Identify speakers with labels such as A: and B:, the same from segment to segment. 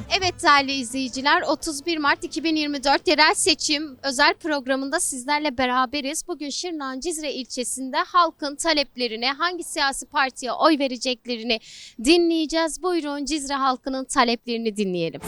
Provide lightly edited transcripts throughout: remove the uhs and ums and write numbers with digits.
A: Evet değerli izleyiciler, 31 Mart 2024 yerel seçim özel programında sizlerle beraberiz. Bugün Şırnak'ın Cizre ilçesinde halkın taleplerini, hangi siyasi partiye oy vereceklerini dinleyeceğiz. Buyurun Cizre halkının taleplerini dinleyelim.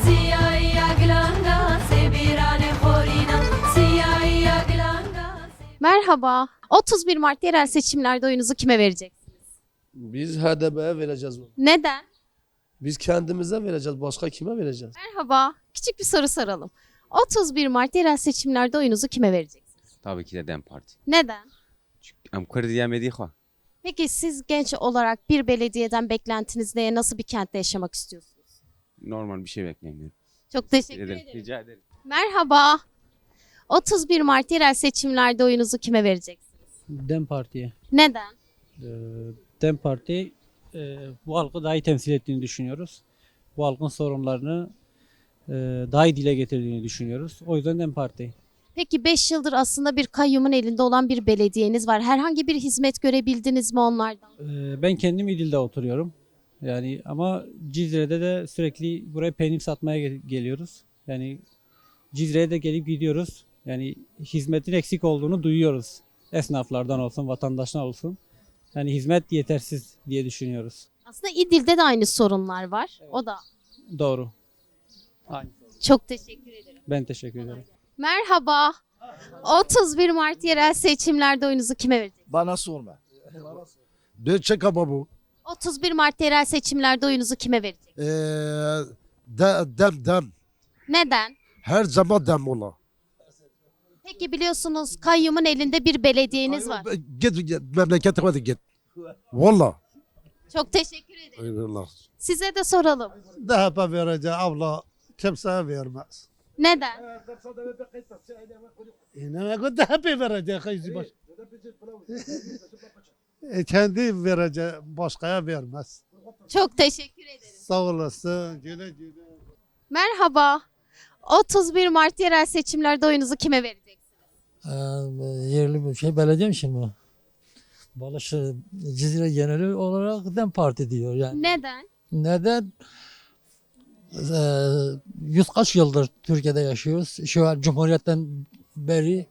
A: Merhaba, 31 Mart yerel seçimlerde oyunuzu kime vereceksiniz?
B: Biz HDP'ye vereceğiz bunu.
A: Neden?
B: Biz kendimize vereceğiz. Başka kime vereceğiz?
A: Merhaba, küçük bir soru soralım. 31 Mart yerel seçimlerde oyunuzu kime vereceksiniz?
C: Tabii ki de DEM Parti.
A: Neden?
C: Em Kurdiye medîxwe.
A: Peki siz genç olarak bir belediyeden beklentiniz ne? Nasıl bir kentte yaşamak istiyorsunuz?
C: Normal bir şey beklemiyorum.
A: Çok teşekkür ederim.
C: Rica ederim.
A: Merhaba. 31 Mart yerel seçimlerde oyunuzu kime vereceksiniz?
D: DEM Parti'ye.
A: Neden?
D: DEM Parti bu halkı daha iyi temsil ettiğini düşünüyoruz. Bu halkın sorunlarını daha iyi dile getirdiğini düşünüyoruz. O yüzden DEM Parti.
A: Peki 5 yıldır aslında bir kayyumun elinde olan bir belediyeniz var. Herhangi bir hizmet görebildiniz mi onlardan?
D: Ben kendim İdil'de oturuyorum. Yani ama Cizre'de de sürekli buraya peynir satmaya geliyoruz. Yani Cizre'ye de gelip gidiyoruz. Yani hizmetin eksik olduğunu duyuyoruz. Esnaflardan olsun, vatandaşlar olsun. Yani hizmet yetersiz diye düşünüyoruz.
A: Aslında İdil'de de aynı sorunlar var. O da.
D: Doğru. Aynı.
A: Çok teşekkür ederim.
D: Ben teşekkür ederim.
A: Merhaba. 31 Mart yerel seçimlerde oyunuzu kime vereceksiniz?
E: Bana sorma. Döçe kababu.
A: 31 Mart yerel seçimlerde oyunuzu kime vereceksiniz?
E: Dem.
A: Neden?
E: Her zaman dem ola.
A: Peki biliyorsunuz kayyumun elinde bir belediyeniz var.
E: Git memlekete hadi git. Valla.
A: Çok teşekkür ederim.
E: Eyvallah.
A: Size de soralım.
E: DHP vereceği abla kimseye vermez.
A: Neden?
E: Ne kadar DHP vereceği kayısı baş. Kendi vereceği başkaya vermez.
A: Çok teşekkür ederim.
E: Sağ olasın. Güle güle.
A: Merhaba. 31 Mart yerel seçimlerde oyunuzu kime vereceksiniz?
F: Yerli bir şey belediye mi şimdi? Balışı Cizre geneli olarak DEM Parti diyor yani.
A: Neden?
F: Neden? Yüz kaç yıldır Türkiye'de yaşıyoruz. Şu an Cumhuriyet'ten beri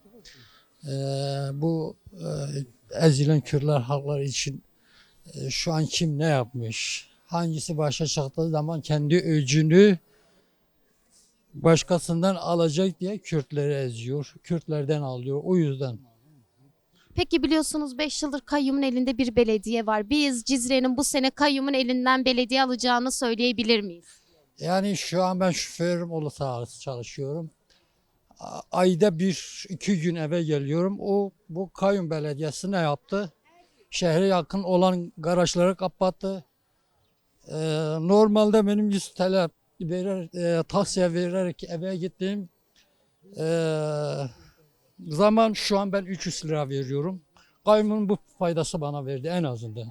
F: bu ezilen Kürtler halklar için şu an kim ne yapmış? Hangisi başa çıktığı zaman kendi öcünü başkasından alacak diye Kürtleri eziyor. Kürtlerden alıyor. O yüzden.
A: Peki biliyorsunuz 5 yıldır kayyumun elinde bir belediye var. Biz Cizre'nin bu sene kayyumun elinden belediye alacağını söyleyebilir miyiz?
F: Yani şu an ben şoförüm uluslararası çalışıyorum. Ayda 1-2 gün eve geliyorum. Bu kayyum belediyesi ne yaptı? Şehre yakın olan garajları kapattı. Normalde benim 100 TL taksiye vererek eve gittiğim zaman şu an ben 300 lira veriyorum. Kayyumun bu faydası bana verdi en azından.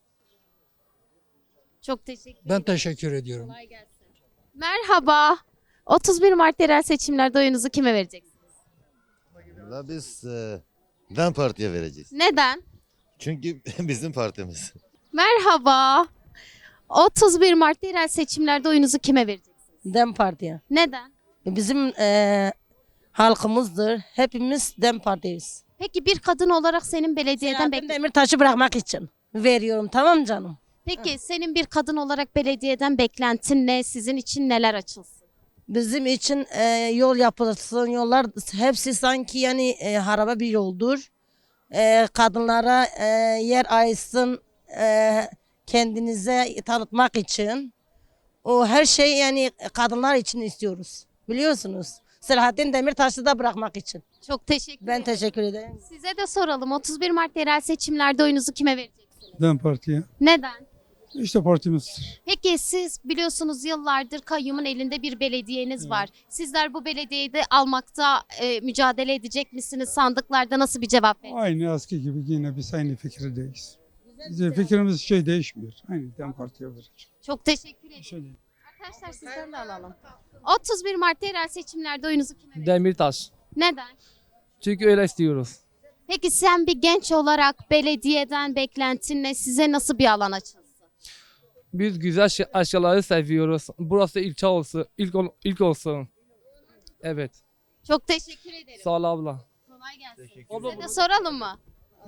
A: Çok teşekkür ederim.
F: Ben teşekkür ediyorum.
A: Kolay gelsin. Merhaba. 31 Mart yerel seçimlerde oyunuzu kime vereceksiniz?
G: Biz DEM Parti'ye vereceğiz.
A: Neden?
G: Çünkü bizim partimiz.
A: Merhaba. 31 Mart yerel seçimlerde oyunuzu kime vereceksiniz?
H: DEM Parti'ye.
A: Neden?
H: Bizim halkımızdır. Hepimiz DEM Parti'yiz.
A: Peki bir kadın olarak senin belediyeden
H: Selahattin Demirtaş'ı bırakmak için veriyorum, tamam canım?
A: Peki senin bir kadın olarak belediyeden beklentin ne? Sizin için neler açılsın?
H: Bizim için yol yapılsın, yollar hepsi sanki yani harabe bir yoldur. Kadınlara yer ayırsın, kendinize tanıtmak için. O her şey yani kadınlar için istiyoruz. Biliyorsunuz. Selahattin Demirtaş'ı da bırakmak için.
A: Çok teşekkür
H: Ben
A: ederim.
H: teşekkür ederim.
A: Size de soralım. 31 Mart yerel seçimlerde oyunuzu kime vereceksiniz?
I: DEM Parti'ye.
A: Neden?
I: İşte partimizdir.
A: Peki siz biliyorsunuz yıllardır kayyumun elinde bir belediyeniz var. Sizler bu belediyeyi de almakta mücadele edecek misiniz? Sandıklarda nasıl bir cevap verin?
I: Aynı eski gibi yine biz aynı fikirdeyiz. Bizim fikrimiz değişmiyor. Aynı DEM Parti'ye vereceğiz.
A: Çok teşekkür ederim.
I: Şey değil.
A: Arkadaşlar sizden de alalım. 31 Mart yerel seçimlerde oyunuzu kime vereceksiniz?
J: Demirtaş.
A: Neden?
J: Çünkü öyle istiyoruz.
A: Peki sen bir genç olarak belediyeden beklentin ne? Size nasıl bir alan açılsın?
J: Biz güzel aşıları seviyoruz. Burası ilçe olsun, ilk olsun. Evet.
A: Çok teşekkür ederim.
J: Sağ ol abla.
A: Kolay gelsin. Size de soralım mı?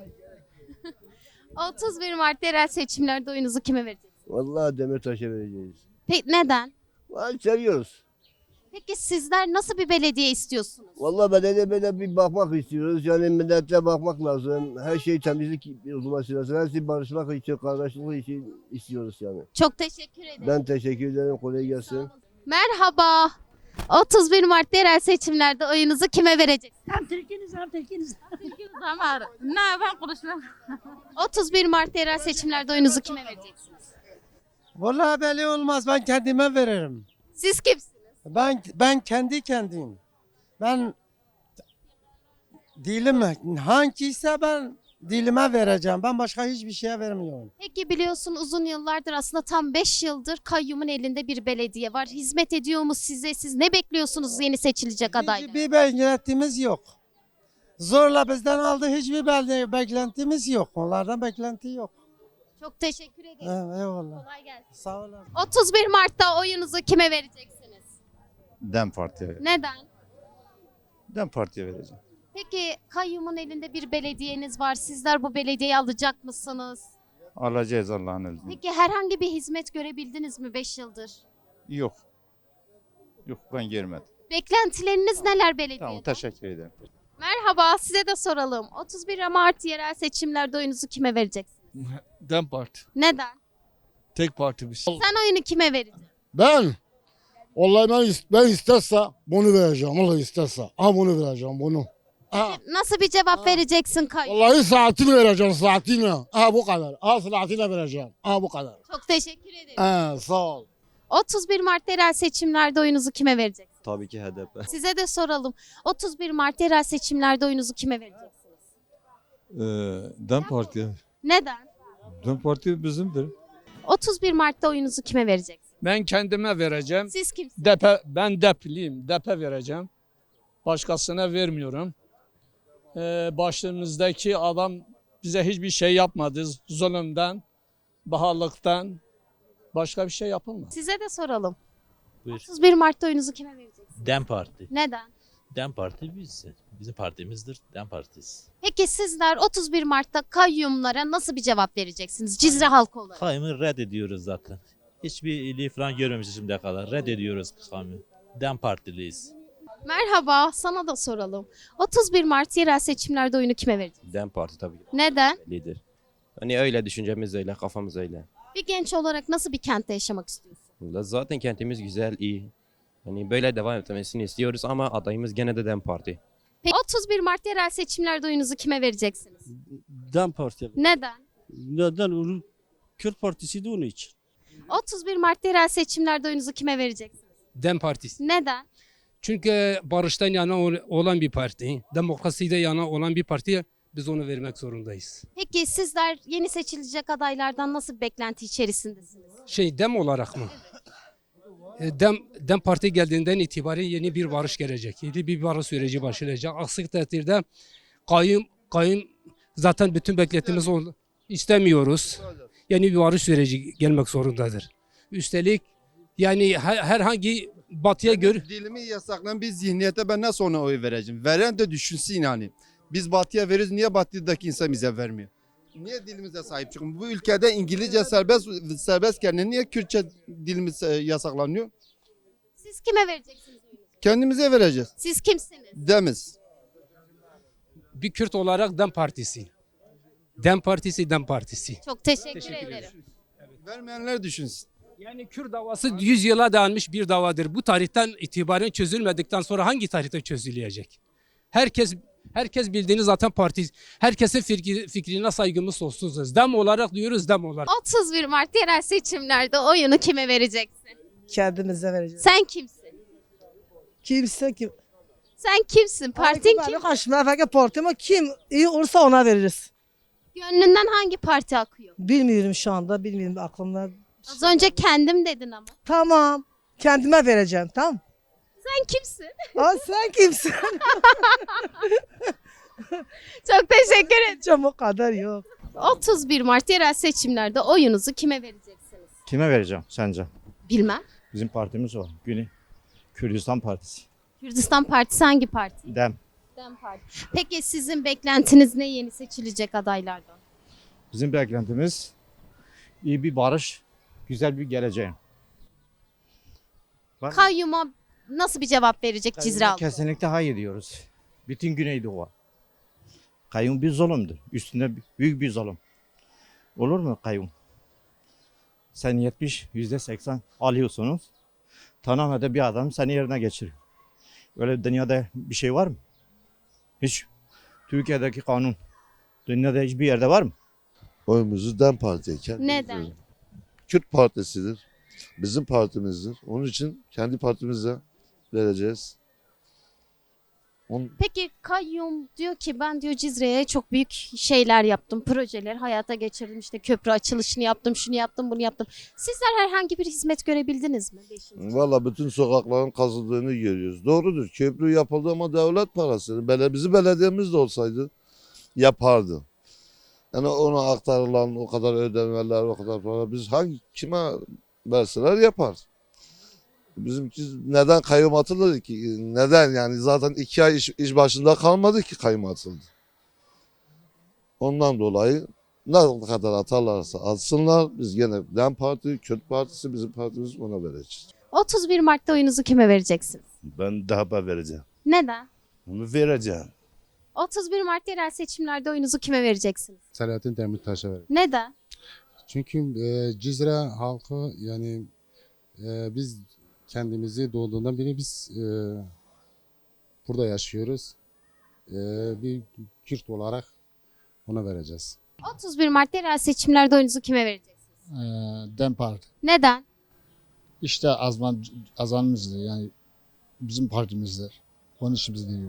A: 31 Mart yerel seçimlerde oyunuzu kime vereceksiniz?
B: Vallahi Demirtaş'a vereceğiz.
A: Peki neden?
B: Seviyoruz.
A: Peki sizler nasıl bir belediye istiyorsunuz?
B: Vallahi böyle bir bakmak istiyoruz. Yani millete bakmak lazım. Her şey temizlik olması lazım. Her şey barışmak için, kardeşlik için istiyoruz yani.
A: Çok teşekkür ederim.
B: Ben teşekkür ederim. Kolay gelsin.
A: Merhaba. 31 Mart yerel seçimlerde oyunuzu kime vereceksiniz?
H: Hem Türk'ünüz hem Türk'ünüz.
A: Ne ben konuşmam. 31 Mart yerel seçimlerde oyunuzu kime vereceksiniz?
E: Vallahi belli olmaz. Ben kendime veririm.
A: Siz kimsiniz?
E: Ben kendi kendiyim. Ben dilim hangiyse ben dilime vereceğim. Ben başka hiçbir şeye vermiyorum.
A: Peki biliyorsun uzun yıllardır aslında tam 5 yıldır kayyumun elinde bir belediye var. Hizmet ediyor mu size? Siz ne bekliyorsunuz yeni seçilecek adaylar?
E: Hiçbir beklentimiz yok. Zorla bizden aldı hiçbir beklentimiz yok. Onlardan beklenti yok.
A: Çok teşekkür ederim.
E: Eyvallah.
A: Kolay gelsin.
E: Sağ olun.
A: 31 Mart'ta oyunuzu kime vereceksiniz?
G: DEM Parti'ye.
A: Neden?
G: DEM Parti'ye vereceğim.
A: Peki kayyumun elinde bir belediyeniz var. Sizler bu belediyeyi alacak mısınız?
G: Alacağız Allah'ın izniyle.
A: Peki herhangi bir hizmet görebildiniz mi 5 yıldır?
G: Yok. Yok ben görmedim.
A: Beklentileriniz neler belediyeden?
G: Teşekkür ederim.
A: Merhaba, size de soralım. 31 Mart yerel seçimlerde oyunuzu kime vereceksiniz?
J: DEM Parti.
A: Neden?
J: Tek partimiz.
A: Sen oyunu kime vereceksin?
E: Ben vallahi ben isterse bunu vereceğim. Vallahi isterse. Ha bunu vereceğim bunu. Ha.
A: Nasıl bir cevap vereceksin kayyum?
E: Vallahi saatini vereceğim saatini. Ha bu kadar. Ha saatini vereceğim. Ha bu kadar.
A: Çok teşekkür ederim.
E: Ha sağ ol.
A: 31 Mart yerel seçimlerde oyunuzu kime vereceksiniz?
G: Tabii ki HDP.
A: Size de soralım. 31 Mart yerel seçimlerde oyunuzu kime vereceksiniz?
K: DEM Parti.
A: Neden?
K: DEM Parti bizimdir.
A: 31 Mart'ta oyunuzu kime vereceksiniz?
J: Ben kendime vereceğim.
A: Siz kimsiniz?
J: Ben depliyim. Depe vereceğim. Başkasına vermiyorum. Başımızdaki adam bize hiçbir şey yapmadı. Zulümden, bahalıktan başka bir şey yapılmadı.
A: Size de soralım.
L: Buyur.
A: 31 Mart'ta oyunuzu kime vereceksiniz?
L: DEM Parti.
A: Neden?
L: DEM Parti bizim partimizdir. DEM Partisi.
A: Peki sizler 31 Mart'ta kayyumlara nasıl bir cevap vereceksiniz Cizre halkı olarak?
L: Kayyumu reddediyoruz zaten. Hiçbir iyiliği falan görmemişiz şimdiye kadar. Reddediyoruz kayyumu. DEM Partiliyiz.
A: Merhaba, sana da soralım. 31 Mart yerel seçimlerde oyunu kime vereceksiniz?
C: DEM Parti tabii
A: Neden?
C: lider. Hani öyle düşüncemiz öyle, kafamız öyle.
A: Bir genç olarak nasıl bir kentte yaşamak istiyorsun?
C: Zaten kentimiz güzel, iyi. Hani böyle devam etmesini istiyoruz ama adayımız gene de DEM Parti.
A: Peki 31 Mart yerel seçimlerde oyunuzu kime vereceksiniz?
E: DEM Parti.
A: Neden?
E: Neden? Onun Kürt Partisi de onun için.
A: 31 Mart yerel seçimlerde oyunuzu kime vereceksiniz?
J: DEM Partisi.
A: Neden?
J: Çünkü barıştan yana olan bir parti, demokraside yana olan bir partiye biz onu vermek zorundayız.
A: Peki sizler yeni seçilecek adaylardan nasıl bir beklenti içerisindesiniz?
J: DEM olarak mı? DEM Parti geldiğinden itibaren yeni bir barış gelecek. Yeni bir barış süreci başlayacak. Aksi takdirde kayyum zaten bütün beklentimiz istemiyoruz. Yeni bir barış süreci gelmek zorundadır. Üstelik yani herhangi batıya göre
K: Dilimi yasaklayan bir zihniyete ben nasıl ona oy vereceğim? Veren de düşünsün yani. Biz batıya veririz, niye batıdaki insan bize vermiyor? Niye dilimize sahip çıkın? Bu ülkede İngilizce serbestken niye Kürtçe dilimiz yasaklanıyor?
A: Siz kime vereceksiniz oyunuzu?
K: Kendimize vereceğiz.
A: Siz kimsiniz?
K: Demiz.
J: bir Kürt olarak DEM Partisi. DEM Partisi, DEM Partisi.
A: Çok teşekkür
J: Teşekkür
A: ederim.
K: Vermeyenler düşünsün.
J: Yani Kürt davası 100 yıla dayanmış bir davadır. Bu tarihten itibaren çözülmedikten sonra hangi tarihte çözülecek? Herkes bildiğiniz zaten parti. Herkesin fikrine saygımız sonsuzuz. DEM olarak diyoruz, DEM olarak.
A: 31 Mart yerel seçimlerde oyunu kime vereceksin?
H: Kendimize vereceğiz.
A: Sen kimsin?
H: Kimse kim?
A: Sen kimsin? Partin kim?
H: Karşımda fakat parti ama kim iyi olursa ona veririz.
A: Gönlünden hangi parti akıyor?
H: Bilmiyorum şu anda. Bilmiyorum aklımda.
A: Az önce kendim dedin ama.
H: Tamam. Kendime vereceğim tamam.
A: Sen kimsin?
H: Aa, sen kimsin?
A: Çok teşekkür ederim.
H: Canım o kadar yok.
A: 31 Mart yerel seçimlerde oyunuzu kime vereceksiniz?
G: Kime vereceğim sence?
A: Bilmem.
G: Bizim partimiz var. Güney Kürdistan Partisi.
A: Kürdistan Partisi hangi parti?
G: Dem.
A: DEM Parti. Peki sizin beklentiniz ne yeni seçilecek adaylardan?
G: Bizim beklentimiz iyi bir barış, güzel bir geleceğin.
A: Kayyuma nasıl bir cevap verecek Cizre halkı?
G: Kesinlikle hayır diyoruz. Bütün Güneydoğu. Kayyum bir zulümdür. Üstünde büyük bir zulüm. Olur mu kayyum? Sen %80 alıyorsunuz. Tamamen de bir adam seni yerine geçiriyor. Öyle dünyada bir şey var mı? Hiç. Türkiye'deki kanun dünyada hiçbir yerde var mı?
E: Oyumuzu DEM Parti'ye
A: Neden?
E: Kürt Partisi'dir. Bizim partimizdir. Onun için kendi partimize vereceğiz.
A: Peki kayyum diyor ki ben diyor Cizre'ye çok büyük şeyler yaptım. Projeler hayata geçirdim. İşte köprü açılışını yaptım, şunu yaptım, bunu yaptım. Sizler herhangi bir hizmet görebildiniz mi?
E: Valla bütün sokakların kazıldığını görüyoruz. Doğrudur. Köprü yapıldı ama devlet parası. Bizim belediyemiz de olsaydı yapardı. Yani ona aktarılan o kadar ödemeler, o kadar para biz kime verseler yapar. Bizimki neden kayyum atılır ki? Neden yani zaten 2 ay iş başında kalmadı ki kayyum atıldı. Ondan dolayı ne kadar atarlarsa atsınlar biz gene DEM Parti, Kürt Partisi bizim partimiz ona vereceğiz.
A: 31 Mart'ta oyunuzu kime vereceksiniz?
E: Ben DHP vereceğim.
A: Neden?
E: Onu vereceğim.
A: 31 Mart yerel seçimlerde oyunuzu kime vereceksiniz?
E: Selahattin Demirtaş'a vereceğim.
A: Neden?
E: Çünkü Cizre halkı yani biz kendimizi doğduğundan beri biz burada yaşıyoruz. Bir Kürt olarak ona vereceğiz.
A: 31 Mart yerel seçimlerde oyunuzu kime vereceksiniz?
E: DEM Parti.
A: Neden?
E: İşte azanımızdır yani bizim partimizdir. Onun için biz değil.